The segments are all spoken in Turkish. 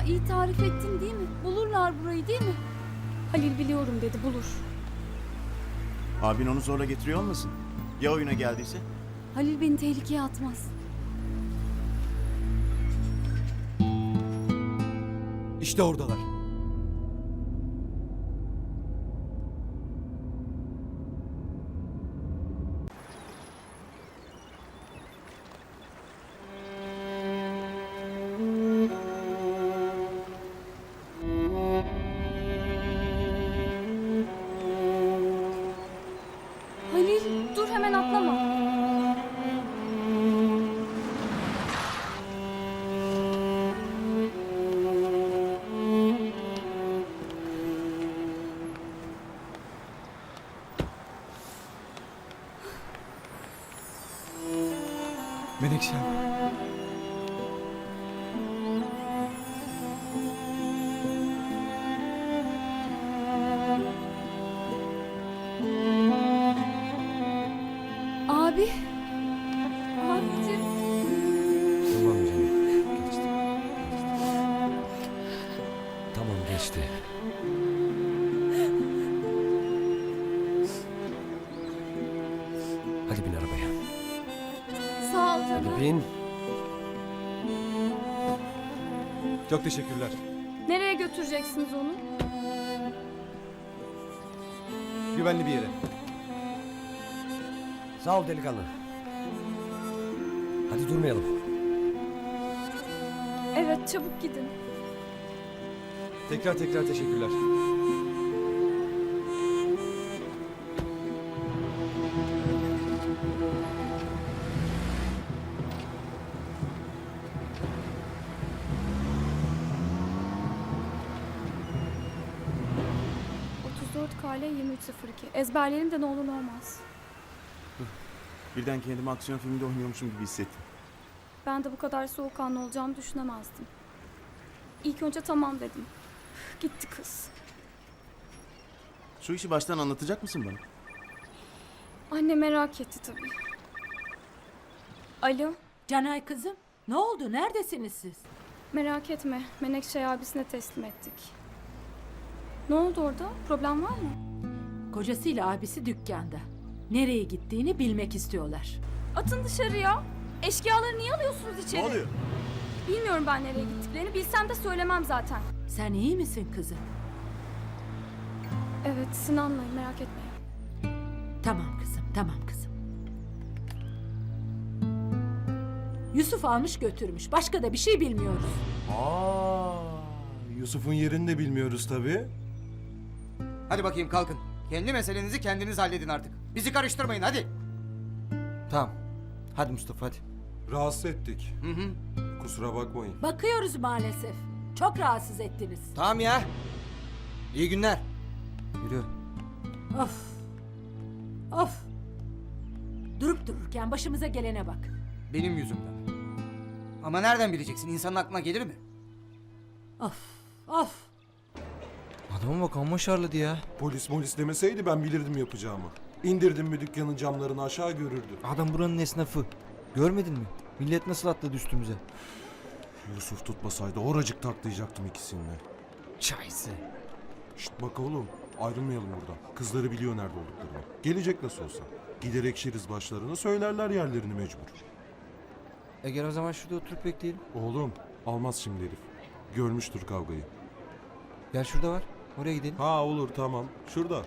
Ya iyi tarif ettin değil mi? Bulurlar burayı değil mi? Halil biliyorum dedi, bulur. Abin onu zorla getiriyor olmasın? Ya oyuna geldiyse? Halil beni tehlikeye atmaz. İşte oradalar. Halil dur, hemen atlama. Menekşem. Abi. Abicim. Tamam canım. Geçti. Tamam geçti. Hadi bin arabaya. Sağ ol canım. Hadi bin. Çok teşekkürler. Nereye götüreceksiniz onu? Güvenli bir yere. Sağ ol delikanlı. Hadi durmayalım. Evet, çabuk gidin. Tekrar teşekkürler. KL 2302. Ezberleyelim de ne olur ne olmaz. Birden kendimi aksiyon filminde oynuyormuşum gibi hissettim. Ben de bu kadar soğukkanlı olacağımı düşünemezdim. İlk önce tamam dedim. Gitti kız. Şu işi baştan anlatacak mısın bana? Anne merak etti tabii. Alo, Canay kızım, ne oldu? Neredesiniz siz? merak etme. Menekşe'yi abisine teslim ettik. Ne oldu orada? Problem var mı? Kocasıyla abisi dükkanda. Nereye gittiğini bilmek istiyorlar. Atın dışarıya. Eşkıyaları niye alıyorsunuz içeri? Ne oluyor? Bilmiyorum ben nereye gittiklerini. Bilsem de söylemem zaten. Sen iyi misin kızım? Evet, Sinan'layım, merak etmeyin. Tamam kızım, tamam kızım. Yusuf almış götürmüş. Başka da bir şey bilmiyoruz. Yusuf'un yerini de bilmiyoruz tabii. Hadi bakayım kalkın. Kendi meselenizi kendiniz halledin artık. Bizi karıştırmayın hadi. Tamam. Hadi Mustafa hadi. Rahatsız ettik. Hı hı. Kusura bakmayın. Bakıyoruz maalesef. Çok rahatsız ettiniz. Tamam ya. İyi günler. Yürü. Of. Of. Durup dururken başımıza gelene bak. Benim yüzümden. Ama nereden bileceksin? İnsanın aklına gelir mi? Of. Of. Adama bak amma şarladı ya. Polis demeseydi ben bilirdim yapacağımı. İndirdim mi dükkanın camlarını aşağı görürdü. Adam buranın esnafı. Görmedin mi? Millet nasıl atladı üstümüze. Yusuf tutmasaydı oracık taklayacaktım ikisini. Çaysı. Şşt bak oğlum ayrılmayalım buradan. Kızları biliyor nerede olduklarını. Gelecek nasıl olsa. Gider ekşiriz başlarına söylerler yerlerini mecbur. Gel o zaman şurada oturup bekleyelim. Oğlum almaz şimdi herif. Görmüştür kavgayı. Gel şurada var. Oraya gidelim. Ha olur tamam. Şurada.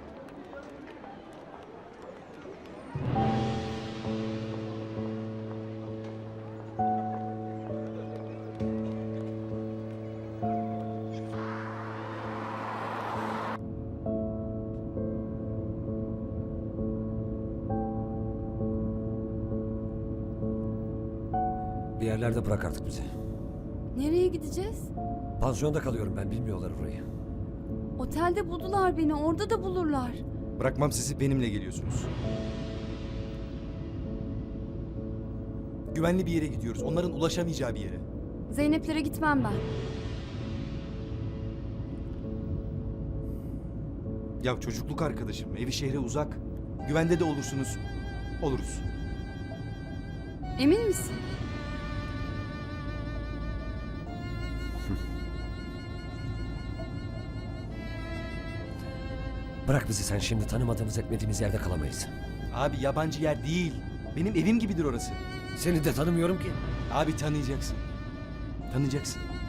Bir yerlerde bırak artık bizi. Nereye gideceğiz? Pansiyonda kalıyorum ben, bilmiyorlar orayı. Otelde buldular beni, orada da bulurlar. Bırakmam sizi, benimle geliyorsunuz. Güvenli bir yere gidiyoruz. Onların ulaşamayacağı bir yere. Zeynep'lere gitmem ben. Ya çocukluk arkadaşım. Evi şehre uzak. Güvende de olursunuz. Oluruz. Emin misin? Bırak bizi sen şimdi, tanımadığımız etmediğimiz yerde kalamayız. Abi yabancı yer değil. Benim evim gibidir orası. Seni de tanımıyorum ki. Abi tanıyacaksın. Tanıyacaksın.